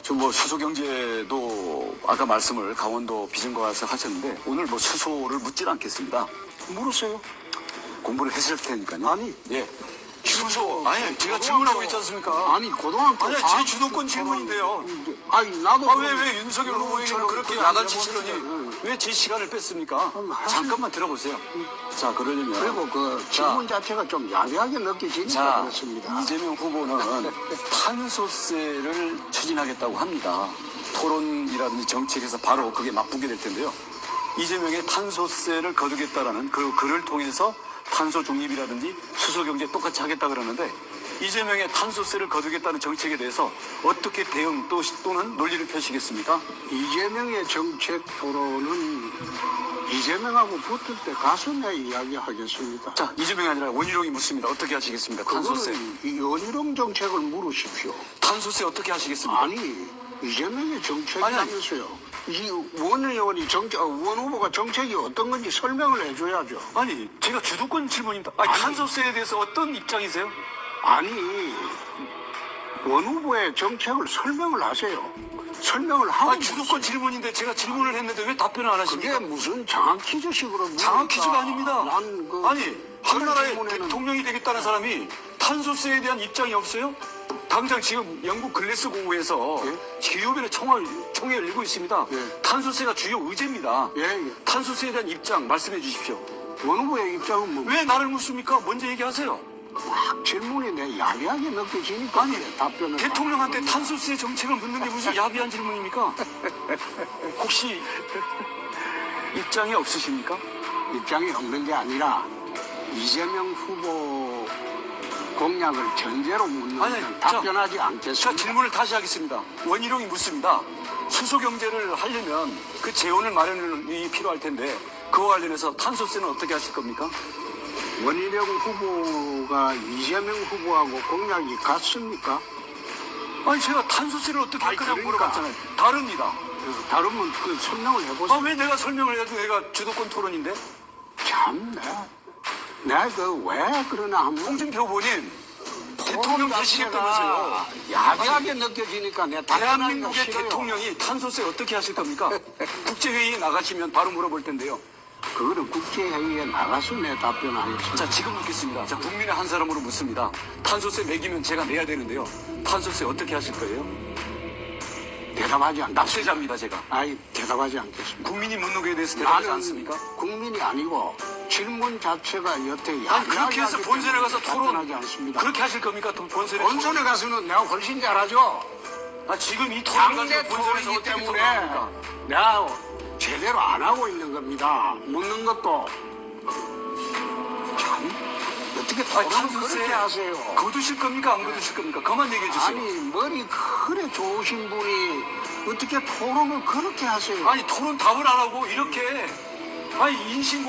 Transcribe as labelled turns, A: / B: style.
A: 뭐 수소경제도 아까 말씀을 강원도 비전과 가서 하셨는데 오늘 뭐 수소를 묻질 않겠습니다.
B: 물었어요.
A: 공부를 했을 테니까요.
B: 아니.
A: 예. 수소. 아니, 제가 질문하고 있지 않습니까?
B: 아니, 고등학교.
A: 아니, 제 주도권 질문인데요.
B: 아니, 나도.
A: 왜 윤석열 후보처럼 그렇게 야단치시더니 왜 제 시간을 뺐습니까? 잠깐만 들어보세요. 자, 그러려면.
B: 그리고 그 질문 자체가 좀 야비하게 느껴지니까
A: 자,
B: 그렇습니다.
A: 이재명 후보는 탄소세를 추진하겠다고 합니다. 토론이라든지 정책에서 바로 그게 맞붙게 될 텐데요. 이재명의 탄소세를 거두겠다라는 그 글을 통해서 탄소 중립이라든지 수소경제 똑같이 하겠다 그러는데 이재명의 탄소세를 거두겠다는 정책에 대해서 어떻게 대응 또는 논리를 펴시겠습니까?
B: 이재명의 정책 토론은 이재명하고 붙을 때 가서 내 이야기하겠습니다.
A: 자, 이재명이 아니라 원희룡이 묻습니다. 어떻게 하시겠습니까? 탄소세.
B: 그거는 이 원희룡 정책을 물으십시오.
A: 탄소세 어떻게 하시겠습니까?
B: 아니, 이재명의 정책이라면서요. 이 원 의원이 원 후보가 정책이 어떤 건지 설명을 해줘야죠.
A: 아니, 제가 주도권 질문입니다. 아니, 탄소세에 대해서 어떤 입장이세요?
B: 아니, 원 후보의 정책을 설명을 하세요. 설명을 하고.
A: 아니, 주도권 질문인데 제가 질문을 했는데 왜 답변을 안 하십니까?
B: 그게 무슨 장학 퀴즈식으로.
A: 장학 퀴즈가 아닙니다. 아니, 한나라의
B: 질문에는
A: 대통령이 되겠다는 사람이 탄소세에 대한 입장이 없어요? 당장 지금 영국 글래스고에서 기후변화 총회를 열고 있습니다.
B: 예.
A: 탄소세가 주요 의제입니다.
B: 예.
A: 탄소세에 대한 입장 말씀해 주십시오.
B: 원 후보의 입장은 뭐.
A: 왜 나를 묻습니까? 먼저 얘기하세요.
B: 막 질문이 내 야비하게 느껴지니까.
A: 아니,
B: 답변을.
A: 대통령한테 탄소세 정책을 묻는 게 무슨 야비한 질문입니까? 혹시 입장이 없으십니까?
B: 입장이 없는 게 아니라 이재명 후보 공약을 전제로 묻는
A: 아니,
B: 건 답변하지 않겠습니다.
A: 자, 질문을 다시 하겠습니다. 원희룡이 묻습니다. 수소경제를 하려면 그 재원을 마련이 필요할 텐데 그와 관련해서 탄소세는 어떻게 하실 겁니까?
B: 원희룡 후보가 이재명 후보하고 공약이 같습니까?
A: 아니, 제가 탄소세를 어떻게 할 거냐고
B: 그러니까.
A: 물어봤잖아요. 다릅니다.
B: 다르면 그 설명을 해보세요.
A: 아, 왜 내가 설명을 해도 내가 주도권 토론인데?
B: 참네. 내가 왜 그러나 하면
A: 홍준표 후보님, 대통령 되시겠다면서요.
B: 야비하게 느껴지니까 내
A: 대한민국의
B: 싫어요.
A: 대통령이 탄소세 어떻게 하실 겁니까? 국제회의에 나가시면 바로 물어볼 텐데요.
B: 그거는 국제회의에 나가서 내 답변하겠습니다.
A: 자, 지금 묻겠습니다. 자, 국민의 한 사람으로 묻습니다. 탄소세 매기면 제가 내야 되는데요. 탄소세 어떻게 하실 거예요?
B: 대답하지 않겠습니다.
A: 납세자입니다, 제가.
B: 아니, 대답하지 않겠습니다.
A: 국민이 묻는 거에 대해서 대답하지
B: 나는
A: 않습니까?
B: 국민이 아니고 질문 자체가 여태
A: 아니, 그렇게 해서 본선에 가서
B: 답변하지
A: 토론,
B: 않습니다.
A: 그렇게 하실 겁니까? 본선에
B: 본선에 가서는 내가 훨씬 잘하죠.
A: 아, 지금 이 토론
B: 당내
A: 가지고 본선에서
B: 토론이기
A: 어떻게
B: 때문에
A: 토론합니까?
B: 내가 제대로 안 하고 있는 겁니다. 묻는 것도 참 어떻게
A: 아니,
B: 토론을 그렇게
A: 탄소세
B: 하세요.
A: 거두실 겁니까? 안 거두실 겁니까? 그만 얘기해 주세요.
B: 아니 머리 그래 좋으신 분이 어떻게 토론을 그렇게 하세요.
A: 아니, 토론 답을 안 하고 이렇게, 아니, 인신